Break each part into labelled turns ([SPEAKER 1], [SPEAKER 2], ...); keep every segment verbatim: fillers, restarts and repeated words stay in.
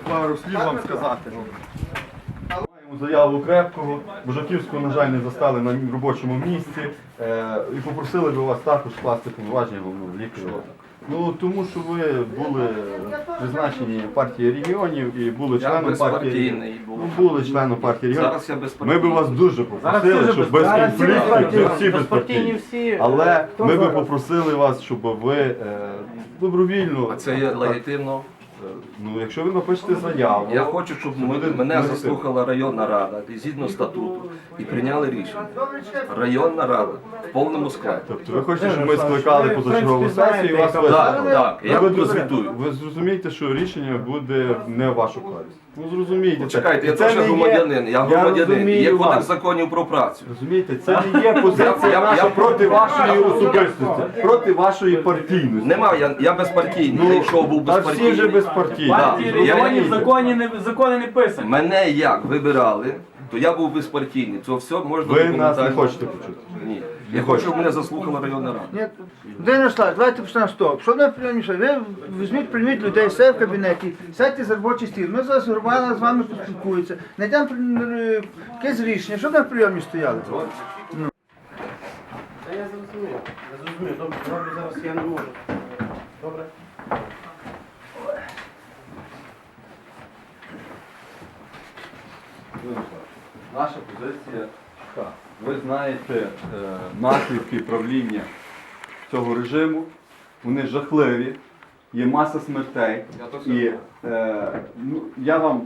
[SPEAKER 1] пару слів вам сказати. Маємо заяву Крепкого, Бужаківського, на жаль, не застали на робочому місці е, і попросили би вас також скласти повноваження головного лікаря. Ну, тому що ви були призначені партією регіонів і були членом партії. Ну, були членом партії регіонів.
[SPEAKER 2] Зараз я безпартійний.
[SPEAKER 1] Ми б вас дуже попросили, щоб без конфліктів, всі безпартійні. Але ми б попросили вас, щоб ви е, добровільно.
[SPEAKER 2] А це є легітимно.
[SPEAKER 1] Ну, якщо ви напишете заяву.
[SPEAKER 2] Я хочу, щоб мене заслухала районна рада згідно статуту і прийняли рішення. Районна рада в повному складі.
[SPEAKER 1] Тобто ви хочете, щоб ми скликали позачергову сесію і вас
[SPEAKER 2] Так,
[SPEAKER 1] вислухали?
[SPEAKER 2] так, я
[SPEAKER 1] ви,
[SPEAKER 2] прозвітую.
[SPEAKER 1] ви зрозумієте, що рішення буде не в вашу користь. Ну зрозумієте.
[SPEAKER 2] Чекайте, я
[SPEAKER 1] це
[SPEAKER 2] теж
[SPEAKER 1] не є-
[SPEAKER 2] громадянин, я громадянин,
[SPEAKER 1] розумію
[SPEAKER 2] є
[SPEAKER 1] вас.
[SPEAKER 2] кодекс законів про працю.
[SPEAKER 1] Розумієте, це не є позиція
[SPEAKER 2] Я- я-
[SPEAKER 1] наша
[SPEAKER 2] я-
[SPEAKER 1] проти вашої особистості, проти вашої партійності.
[SPEAKER 2] Нема, я, я безпартійний, я йшов був
[SPEAKER 1] та всі
[SPEAKER 2] безпартійний.
[SPEAKER 1] вже безпартійні.
[SPEAKER 3] Партії
[SPEAKER 2] Да, я-
[SPEAKER 3] регіонів закони не, закони не писані.
[SPEAKER 2] Мене як вибирали, то я був безпартійний. Це все можна
[SPEAKER 1] Ви нас не
[SPEAKER 2] документально.
[SPEAKER 1] хочете почути.
[SPEAKER 2] Ні. Я хочу, щоб мене заслухала районна рада.
[SPEAKER 4] Ні, День Ярослав, давайте почнемо з того. Що не прийоміше? Ви візьміть, прийміть людей все в кабінеті, сядьте за робочий стіл. Ми зараз громада з вами поспілкується. Знайдемо е, якесь рішення, щоб на прийомі стояли.
[SPEAKER 3] Та я зрозумів. Я зрозумів. Добре, добре, зараз я не можу. Добре.
[SPEAKER 1] Наша позиція така. Ви знаєте е, наслідки правління цього режиму. Вони жахливі, є маса смертей.
[SPEAKER 2] Я то все
[SPEAKER 1] І
[SPEAKER 2] знаю.
[SPEAKER 1] е, ну, я вам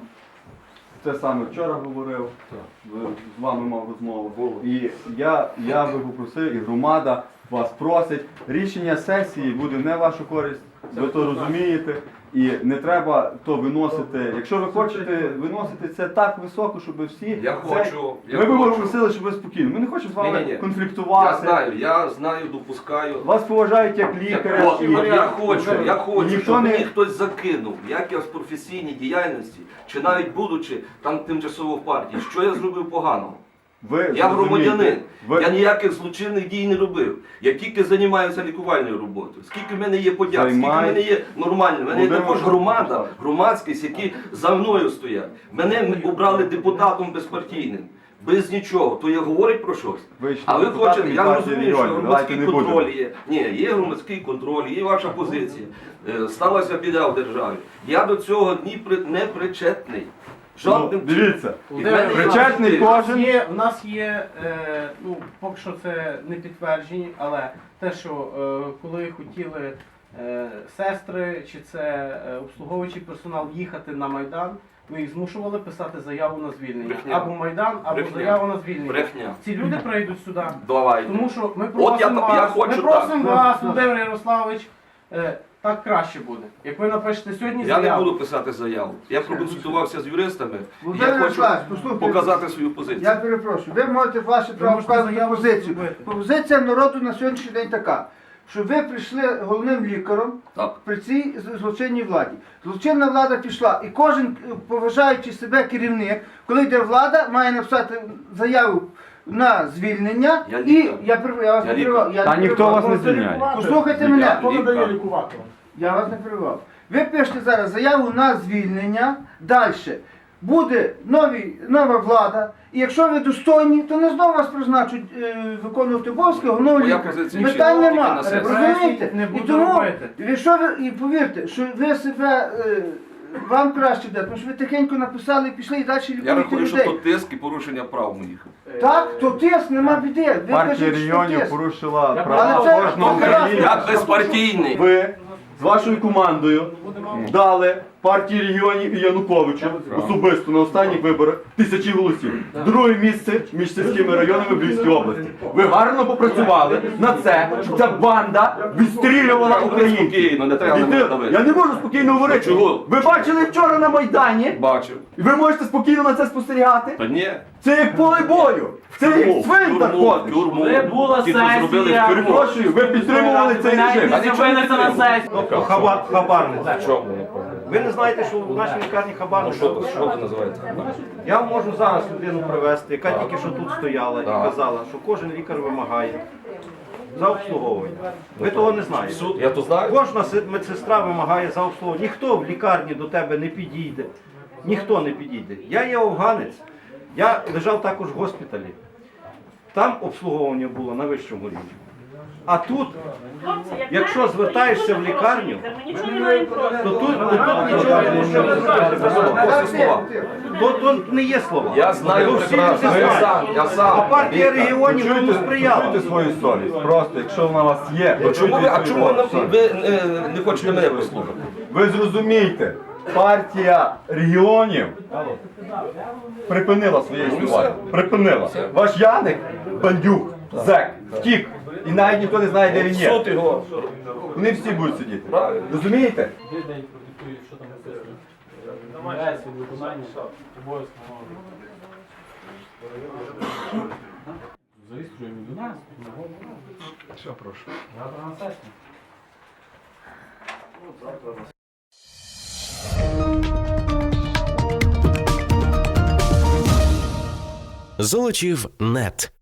[SPEAKER 1] це саме вчора говорив, ви- з вами мав розмову. І я, я би попросив, і громада вас просить, рішення сесії буде не в вашу користь, ви то розумієте. І не треба то виносити. Якщо ви хочете виносити це так високо, щоб всі.
[SPEAKER 2] Я
[SPEAKER 1] це...
[SPEAKER 2] хочу, я
[SPEAKER 1] Ми б
[SPEAKER 2] хочу.
[SPEAKER 1] попросили, щоб ви спокійно. Ми не хочемо з вами
[SPEAKER 2] Ні-ні-ні.
[SPEAKER 1] конфліктувати.
[SPEAKER 2] Я знаю, я знаю, допускаю.
[SPEAKER 1] Вас поважають як лікаря.
[SPEAKER 2] От,
[SPEAKER 1] і-
[SPEAKER 2] от я хочу, я хочу,
[SPEAKER 1] ніхто
[SPEAKER 2] щоб
[SPEAKER 1] не-
[SPEAKER 2] мені хтось закинув, як я в професійній діяльності, чи навіть будучи там тимчасово в партії, що я зробив поганого.
[SPEAKER 1] Ви
[SPEAKER 2] Я
[SPEAKER 1] зрозумієте,
[SPEAKER 2] громадянин,
[SPEAKER 1] ви-
[SPEAKER 2] я ніяких злочинних дій не робив. Я тільки займаюся лікувальною роботою. Скільки в мене є подяк, скільки в
[SPEAKER 1] Займай-
[SPEAKER 2] мене є нормально. В мене є
[SPEAKER 1] Володимир
[SPEAKER 2] також громада, громадськість, які за мною стоять. Мене обрали депутатом безпартійним. Без нічого, то я говорить про щось.
[SPEAKER 1] Ви ще
[SPEAKER 2] А ви
[SPEAKER 1] депутат
[SPEAKER 2] хочете,
[SPEAKER 1] від
[SPEAKER 2] я
[SPEAKER 1] партії
[SPEAKER 2] розумію, що
[SPEAKER 1] регіонів,
[SPEAKER 2] громадський
[SPEAKER 1] давайте не
[SPEAKER 2] контроль
[SPEAKER 1] будемо.
[SPEAKER 2] є. Ні, є громадський контроль, є ваша позиція. Е, Сталася біда в державі. Я до цього ні при- не причетний.
[SPEAKER 1] Ну,
[SPEAKER 2] Жодним
[SPEAKER 1] дивіться,
[SPEAKER 2] І в мене є
[SPEAKER 1] причетний
[SPEAKER 2] можливість.
[SPEAKER 1] кожен.
[SPEAKER 3] Є, у нас є, е, ну, поки що це не підтверджені, але те, що е, коли хотіли е, сестри чи це е, обслуговуючий персонал їхати на Майдан, ми їх змушували писати заяву на звільнення.
[SPEAKER 2] Брехня.
[SPEAKER 3] Або Майдан, або
[SPEAKER 2] Брехня.
[SPEAKER 3] заяву на звільнення.
[SPEAKER 2] Брехня.
[SPEAKER 3] Ці люди прийдуть сюди.
[SPEAKER 2] Давайте.
[SPEAKER 3] Тому що ми
[SPEAKER 2] От я-
[SPEAKER 3] просимо
[SPEAKER 2] я
[SPEAKER 3] вас,
[SPEAKER 2] хочу
[SPEAKER 3] ми просимо
[SPEAKER 1] так.
[SPEAKER 3] вас, Володимир Ярославович, е, так краще буде. Як ви напишете сьогодні
[SPEAKER 2] Я не
[SPEAKER 3] заяву.
[SPEAKER 2] буду писати заяву. Я проконсультувався з юристами. і
[SPEAKER 4] Володимир
[SPEAKER 2] Я хочу
[SPEAKER 4] Ярославович, послухайте.
[SPEAKER 2] показати свою позицію.
[SPEAKER 4] Я перепрошую, ви можете ваше право
[SPEAKER 3] можете
[SPEAKER 4] вказати
[SPEAKER 3] заяву
[SPEAKER 4] позицію.
[SPEAKER 3] зробити.
[SPEAKER 4] Позиція народу на сьогоднішній день така, що ви прийшли головним лікарем
[SPEAKER 2] Так.
[SPEAKER 4] при цій з- злочинній владі. Злочинна влада пішла, і кожен, е, поважаючи себе керівник, коли йде влада, має написати заяву на звільнення.
[SPEAKER 2] Я
[SPEAKER 4] І
[SPEAKER 2] лікар.
[SPEAKER 4] я, прив- я вас
[SPEAKER 2] Я
[SPEAKER 4] не
[SPEAKER 2] лікар.
[SPEAKER 4] перебивав. Я
[SPEAKER 1] Та
[SPEAKER 4] не
[SPEAKER 1] ніхто
[SPEAKER 4] перебивав.
[SPEAKER 1] вас не звільняє.
[SPEAKER 4] Послухайте мене.
[SPEAKER 2] Хто надає
[SPEAKER 3] лікувати?
[SPEAKER 4] Я вас не перебивав. Ви пишете зараз заяву на звільнення. Далі. Буде нові, нова влада, і якщо ви достойні, то не знову вас призначать е, виконувати обов'язки головного
[SPEAKER 2] Моя
[SPEAKER 4] лікаря.
[SPEAKER 2] позиція
[SPEAKER 4] Питань
[SPEAKER 2] чітка,
[SPEAKER 4] нема.
[SPEAKER 2] тільки на сесії.
[SPEAKER 4] Розумієте?
[SPEAKER 3] Не
[SPEAKER 4] І
[SPEAKER 3] буду
[SPEAKER 4] тому,
[SPEAKER 3] робити.
[SPEAKER 4] ви що ви, і повірте, що ви себе, е, вам краще йде, тому що ви тихенько написали і пішли і далі
[SPEAKER 2] Я
[SPEAKER 4] лікуєте
[SPEAKER 2] рахую, що
[SPEAKER 4] людей.
[SPEAKER 2] то тиск і порушення прав моїх.
[SPEAKER 4] Так, то тиск, нема біди. Ви
[SPEAKER 1] Партія
[SPEAKER 4] кажете, що
[SPEAKER 1] регіонів
[SPEAKER 4] тиск.
[SPEAKER 1] порушила
[SPEAKER 3] Я
[SPEAKER 1] права
[SPEAKER 4] Але це
[SPEAKER 1] кожного
[SPEAKER 4] прекрасно.
[SPEAKER 1] українця.
[SPEAKER 2] Я безпартійний.
[SPEAKER 1] Ви з вашою командою дали партії регіонів і Януковичу особисто на останніх виборах тисячі голосів. Друге місце між сільськими районами в Львівській області. Ви гарно попрацювали на це, щоб ця банда відстрілювала українців.
[SPEAKER 2] Спокійно, не треба
[SPEAKER 1] І
[SPEAKER 2] на
[SPEAKER 1] ти-
[SPEAKER 2] мене давити.
[SPEAKER 1] Я не можу спокійно говорити.
[SPEAKER 2] Чого?
[SPEAKER 1] Ви бачили вчора на Майдані?
[SPEAKER 2] Бачив.
[SPEAKER 1] І ви можете спокійно на це спостерігати?
[SPEAKER 2] Та ні.
[SPEAKER 1] Це як поле бою. Це як цвинтар
[SPEAKER 2] Тюрму,
[SPEAKER 1] ходиш.
[SPEAKER 2] тюрму.
[SPEAKER 3] Коли була
[SPEAKER 2] Ті, хто зробили
[SPEAKER 3] сесія,
[SPEAKER 2] в тюрму.
[SPEAKER 1] Перепрошую, ви підтримували цей режим.
[SPEAKER 2] А нічого не
[SPEAKER 3] Зупиниться на
[SPEAKER 2] підтримую.
[SPEAKER 3] сесію.
[SPEAKER 5] Хаба, хабарниця.
[SPEAKER 2] Чому?
[SPEAKER 5] Ви не знаєте, що в нашій лікарні
[SPEAKER 2] Ну
[SPEAKER 5] хабарниця?
[SPEAKER 2] що це, що це називається?
[SPEAKER 5] Я вам можу зараз людину привезти, яка тільки що тут стояла і
[SPEAKER 2] Так.
[SPEAKER 5] казала, що кожен лікар вимагає за обслуговування. Ви того не знаєте.
[SPEAKER 2] Суд, я то знаю.
[SPEAKER 5] Кожна се- медсестра вимагає за обслуговування. Ніхто в лікарні до тебе не підійде. Ніхто не підійде. Я є афганець. Я лежав також в госпіталі. Там обслуговування було на вищому рівні. А тут,
[SPEAKER 6] Хлопці, як
[SPEAKER 5] якщо
[SPEAKER 6] знаєте,
[SPEAKER 5] звертаєшся
[SPEAKER 6] то
[SPEAKER 5] в
[SPEAKER 6] є дуже
[SPEAKER 5] лікарню,
[SPEAKER 6] хороший лікар, ми нічого не маємо проти.
[SPEAKER 5] то тут, то тут нічого не можна зробити без слова.
[SPEAKER 2] Ось слова.
[SPEAKER 5] То, то не є слова.
[SPEAKER 2] Я знаю
[SPEAKER 5] То всі
[SPEAKER 2] прекрасно,
[SPEAKER 5] це
[SPEAKER 2] я
[SPEAKER 5] знають.
[SPEAKER 2] сам, я сам.
[SPEAKER 5] А партія регіонів тому
[SPEAKER 1] Чуйте,
[SPEAKER 5] сприяла.
[SPEAKER 1] чуйте свою совість. Просто, якщо вона у вас є,
[SPEAKER 2] Ну, чому ви, а
[SPEAKER 1] чуйте
[SPEAKER 2] чому
[SPEAKER 1] свою
[SPEAKER 2] ви,
[SPEAKER 1] совість.
[SPEAKER 2] ви е, не хочете мене послухати?
[SPEAKER 1] Ви зрозумійте, партія регіонів припинила своє існування. Припинила. Ваш Яник, бандюк, зек, втік. І навіть ніхто не знає, де він є.
[SPEAKER 2] Суд його.
[SPEAKER 1] Вони всі будуть сидіти.
[SPEAKER 2] Правильно.
[SPEAKER 1] Розумієте?
[SPEAKER 7] Де день продиктує, що там написано. Відмовляється від виконання обов'язку зареєструємо до нас. Що, прошу? Завтра на сесію.
[SPEAKER 8] Золочів нет.